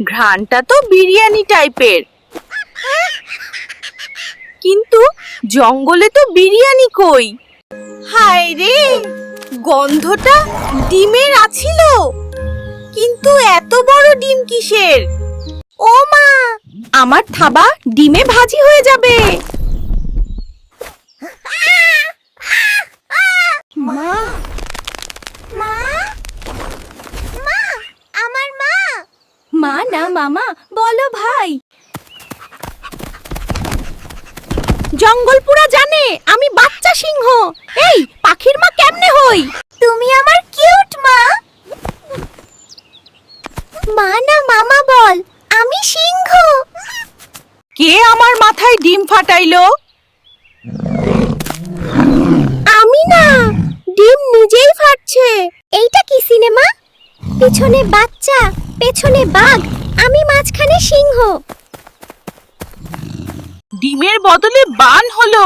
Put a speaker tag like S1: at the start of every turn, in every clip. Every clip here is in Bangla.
S1: ঘ্রাণটা তো বিরিয়ানি টাইপের, কিন্তু জঙ্গলে তো বিরিয়ানি কই? হায় রে, গন্ধটা ডিমের আছিল, কিন্তু এত বড় ডিম কিসের? ও মা, আমার থাবা ডিমে ভাজি হয়ে যাবে। মা,
S2: মা, মা, আমার মা।
S1: মা না মামা, বলো ভাই। জঙ্গল পুরা জানে আমি বাচ্চা সিংহ। এই পাখির মা কেমনে হই?
S2: তুমি আমার কিউট মা। মা না মামা বল, আমি সিংহ।
S1: কে আমার মাথায় ডিম ফাটাইলো?
S2: আমি না, ডিম নিজেই ফাটছে। এইটা কি সিনেমা? পিছনে বাচ্চা, পেছনে বাঘ, আমি মাঝখানে সিংহ।
S1: ডিমের বদলে বান হলো।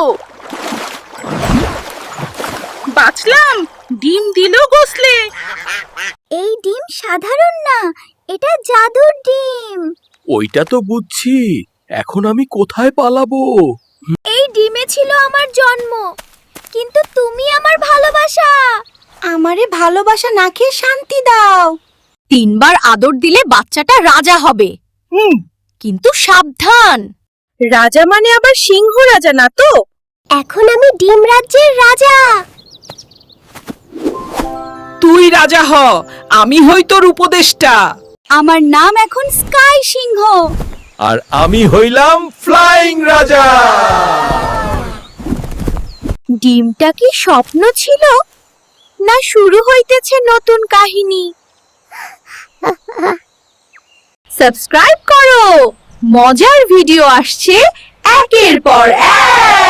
S1: বাঁচলাম, ডিম দিলো গোসলে।
S2: এই ডিম সাধারণ না, এটা জাদুর ডিম।
S3: ওইটা তো বুঝছি, এখন আমি কোথায় পালাবো?
S2: এই ডিমে ছিল আমার জন্ম, কিন্তু তুমি আমার ভালোবাসা।
S1: আমারে ভালোবাসা না খেয়ে শান্তি দাও। 3 বার আদর দিলে বাচ্চাটা রাজা হবে। কিন্তু সাবধান, রাজা মানে আবার সিংহ রাজা না তো।
S2: এখন আমি ডিম রাজ্যের রাজা।
S4: তুই রাজা হ, আমি হই তোর উপদেষ্টা।
S1: আমার নাম এখন স্কাই সিংহ।
S3: আর আমি হইলাম ফ্লাইং রাজা।
S1: ডিমটা কি স্বপ্ন ছিল, না শুরু হইতেছে নতুন কাহিনী? সাবস্ক্রাইব করো, মজার ভিডিও আসছে একের পর এক।